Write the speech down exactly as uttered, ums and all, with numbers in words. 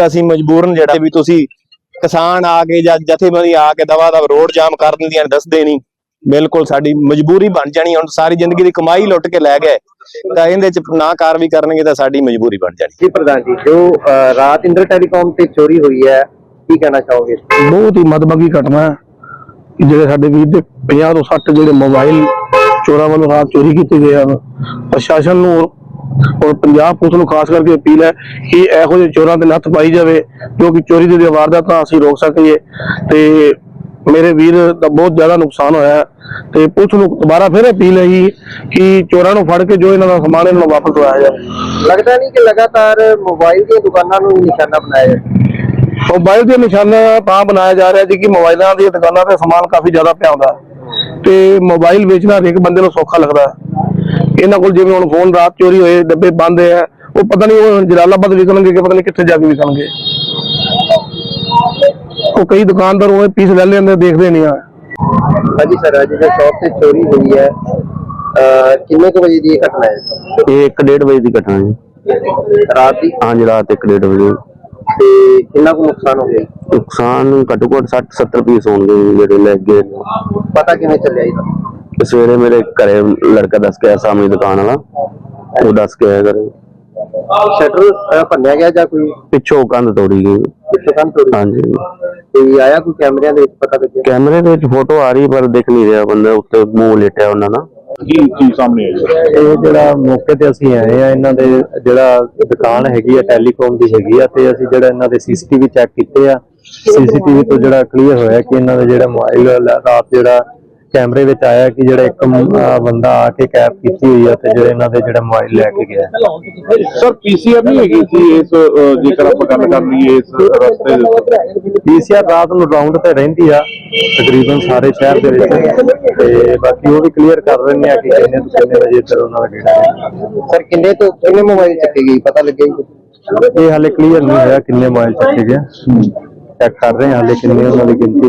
ਤਾਂ ਅਸੀਂ ਮਜਬੂਰਨ ਜਿਹੜਾ ਵੀ ਤੁਸੀਂ ਕਿਸਾਨ ਆ ਕੇ ਜਾਂ ਜਥੇਬੰਦੀ ਆ ਕੇ ਦਵਾ ਦਵ ਰੋਡ ਜਾਮ ਕਰ ਦਿੰਦੀਆਂ ਦੱਸਦੇ ਨਹੀਂ। ਬਿਲਕੁਲ ਸਾਡੀ ਮਜਬੂਰੀ ਬਣ ਜਾਣੀ। ਹੁਣ ਸਾਰੀ ਜ਼ਿੰਦਗੀ ਦੀ ਕਮਾਈ ਲੁੱਟ ਕੇ ਲੈ ਗਏ ਤਾਂ ਇਹਦੇ ਚ ਨਾ ਕਾਰਵਾਈ ਕਰਨਗੇ ਤਾਂ ਸਾਡੀ ਮਜਬੂਰੀ ਬਣ ਜਾਣੀ। ਜੀ ਪ੍ਰਧਾਨ ਜੀ, ਜੋ ਰਾਤ ਇੰਦਰ ਟੈਲੀਕਾਮ ਤੇ ਚੋਰੀ ਹੋਈ ਹੈ, ਕੀ ਕਹਿਣਾ ਚਾਹੋਗੇ? ਬਹੁਤ ਹੀ ਮਦਭਾਗੀ ਘਟਨਾ ਹੈ ਕਿ ਜਿਹੜੇ ਸਾਡੇ ਵੀਰ ਦੇ ਪੰਜਾਹ ਤੋਂ ਸੱਠ ਜਿਹੜੇ ਮੋਬਾਈਲ ਚੋਰਾਂ ਵੱਲੋਂ ਰਾਤ ਚੋਰੀ ਕੀਤੇ ਗਏ ਹਨ। ਪ੍ਰਸ਼ਾਸਨ ਨੂੰ ਔਰ ਪੰਜਾਬ ਪੁਲਿਸ ਨੂੰ ਖਾਸ ਕਰਕੇ ਅਪੀਲ ਹੈ ਕਿ ਇਹੋ ਜਿਹੇ ਚੋਰਾਂ ਦੇ ਨੱਥ ਪਾਈ ਜਾਵੇ ਜੋ ਕਿ ਚੋਰੀ ਦੀ ਵਾਰਦਾਤਾਂ ਅਸੀਂ ਰੋਕ ਸਕੀਏ। ਤੇ ਮੇਰੇ ਵੀਰ ਦਾ ਬਹੁਤ ਜ਼ਿਆਦਾ ਨੁਕਸਾਨ ਹੋਇਆ ਹੈ ਤੇ ਪੁਲਿਸ ਨੂੰ ਦੁਬਾਰਾ ਫਿਰ ਅਪੀਲ ਹੈ ਕਿ ਚੋਰਾਂ ਨੂੰ ਫੜ ਕੇ ਜੋ ਇਹਨਾਂ ਦਾ ਸਮਾਨ ਇਹਨਾਂ ਨੂੰ ਵਾਪਸ ਦਵਾਇਆ ਜਾਵੇ। ਲੱਗਦਾ ਨਹੀਂ ਕਿ ਲਗਾਤਾਰ ਮੋਬਾਈਲ ਦੀਆਂ ਦੁਕਾਨਾਂ ਨੂੰ ਨਿਸ਼ਾਨਾ ਬਣਾਇਆ ਜਾਂਦਾ? ਮੋਬਾਈਲ ਦੇ ਨਿਸ਼ਾਨਾ ਤਾਂ ਬਣਾਇਆ ਜਾ ਰਿਹਾ ਜੀ ਕਿ ਮੋਬਾਈਲਾਂ ਦੀਆਂ ਦੁਕਾਨਾਂ ਤੇ ਸਮਾਨ ਕਾਫੀ ਜ਼ਿਆਦਾ ਪਿਆ ਹੁੰਦਾ ਤੇ ਮੋਬਾਈਲ ਵੇਚਣਾ ਹਰੇਕ ਬੰਦੇ ਨੂੰ ਸੌਖਾ ਲੱਗਦਾ। ਇਹਨਾਂ ਕੋਲ ਜਿਵੇਂ ਹੁਣ ਫੋਨ ਰਾਤ ਚੋਰੀ ਹੋਏ, ਡੱਬੇ ਬੰਦ ਹੈ, ਉਹ ਪਤਾ ਨਹੀਂ ਉਹ ਜਲਾਲਾਬਾਦ ਵਿਕਣਗੇ ਕਿ ਪਤਾ ਨਹੀਂ ਕਿੱਥੇ ਜਾ ਕੇ ਵਿਕਣਗੇ। ਉਹ ਕਈ ਦੁਕਾਨਦਾਰ ਉਹ ਪੀਸ ਲੈ ਲੈਂਦੇ, ਦੇਖਦੇ ਨਹੀਂ ਆ। ਹਾਂਜੀ ਸਰ, ਅੱਜ ਜੋ ਸ਼ੌਪ ਤੇ ਚੋਰੀ ਹੋਈ ਹੈ, ਕਿੰਨੇ ਕੁ ਵਜੇ ਦੀ ਘਟਨਾ ਹੈ? ਇਹ ਇੱਕ ਡੇਢ ਵਜੇ ਦੀ ਘਟਨਾ ਜੀ। ਰਾਤ ਦੀ? ਹਾਂਜੀ, ਰਾਤ ਇੱਕ ਡੇਢ ਵਜੇ। ਤੇ ਕਿੰਨਾ ਕੁ ਨੁਕਸਾਨ ਹੋ ਗਿਆ? ਨੁਕਸਾਨ ਘੱਟੋ ਘੱਟ ਸੱਠ ਸੱਤਰ ਪੀਸ ਹੋਣਗੇ ਜਿਹੜੇ ਲੈ ਗਏ। ਪਤਾ ਕਿਵੇਂ ਚੱਲਿਆ ਇਹਦਾ? ਸਵੇਰੇ ਮੇਰੇ ਘਰੇ ਲੜਕਾ ਦੱਸ ਕੇ ਆਇਆ, ਸਾਹਮਣੇ ਦੁਕਾਨ ਵਾਲਾ, ਉਹ ਦੱਸ ਕੇ ਆਇਆ ਘਰੇ। ਸ਼ਟਰ ਭੰਨਿਆ ਗਿਆ ਜਾਂ ਕੋਈ ਪਿੱਛੋਂ ਕੰਧ ਤੋੜੀ ਗਈ? ਪਿੱਛੋਂ ਕੰਧ ਤੋੜੀ। ਹਾਂਜੀ। ਤੇ ਆਇਆ ਕੋਈ ਕੈਮਰਿਆਂ ਦੇ ਵਿੱਚ ਪਤਾ ਲੱਗਿਆ? ਕੈਮਰੇ ਦੇ ਵਿੱਚ ਫੋਟੋ ਆ ਰਹੀ ਪਰ ਦਿਖ ਨਹੀਂ ਰਿਹਾ ਬੰਦਾ, ਉੱਤੇ ਮੂੰਹ ਲੇਟਿਆ ਉਹਨਾਂ ਨਾਲ। ਕੀ ਚੀਜ਼ ਸਾਹਮਣੇ ਆਈ? ਇਹ ਜਿਹੜਾ ਮੌਕੇ ਤੇ ਅਸੀਂ ਆਏ ਆ, ਇਹਨਾਂ ਦੇ ਜਿਹੜਾ ਦੁਕਾਨ ਹੈਗੀ ਆ ਟੈਲੀਕਾਮ ਦੀ ਹੈਗੀ ਆ, ਤੇ ਅਸੀਂ ਜਿਹੜਾ ਇਹਨਾਂ ਦੇ ਸੀਸੀਟੀਵੀ ਚੈੱਕ ਕੀਤੇ ਆ। ਸੀਸੀਟੀਵੀ ਤੋਂ ਜਿਹੜਾ ਕਲੀਅਰ ਹੋਇਆ ਕਿ ਇਹਨਾਂ ਦਾ ਜਿਹੜਾ ਮੋਬਾਈਲ ਰਾਤ ਜਿਹੜਾ ਕੈਮਰੇ ਵਿੱਚ ਆਇਆ ਕਿ ਜਿਹੜਾ ਇੱਕ ਬੰਦਾ ਆ ਕੇ ਕੈਪ ਕੀਤੀ ਹੋਈ ਆ ਤੇ ਜਿਹੜੇ ਇਹਨਾਂ ਦੇ ਜਿਹੜਾ ਮੋਬਾਈਲ ਲੈ ਕੇ ਗਿਆ। ਸਰ ਪੀਸੀਆਰ ਨਹੀਂ ਹੈਗੀ ਸੀ ਇਸ, ਜੇਕਰ ਆਪਾਂ ਗੱਲ ਕਰ ਲਈਏ ਇਸ ਰਸਤੇ ਦੇ? ਪੀਸੀਆਰ ਰਾਤ ਨੂੰ ਰਾਉਂਡ ਤੇ ਰਹਿੰਦੀ ਆ ਤਕਰੀਬਨ ਸਾਰੇ ਸ਼ਹਿਰ ਦੇ ਵਿੱਚ, ਤੇ ਬਾਕੀ ਉਹ ਵੀ ਕਲੀਅਰ ਕਰ ਰਹੇ ਨੇ ਆ ਕਿ ਕਿੰਨੇ ਤੋਂ ਕਿੰਨੇ ਵਜੇ ਤੱਕ ਉਹਨਾਂ ਦਾ ਗੇੜਾ। ਸਰ ਕਿੰਨੇ ਤੋਂ ਕਿੰਨੇ ਮੋਬਾਈਲ ਚੱਕੇ ਗਏ ਪਤਾ ਲੱਗਿਆ? ਇਹ ਹਾਲੇ ਕਲੀਅਰ ਨਹੀਂ ਹੋਇਆ ਕਿੰਨੇ ਮੋਬਾਈਲ ਚੱਕੇ ਗਏ, ਚੈੱਕ ਕਰ ਰਹੇ ਹਾਂ ਹਾਲੇ ਕਿੰਨੇ ਉਹਨਾਂ ਦੀ ਗਿਣਤੀ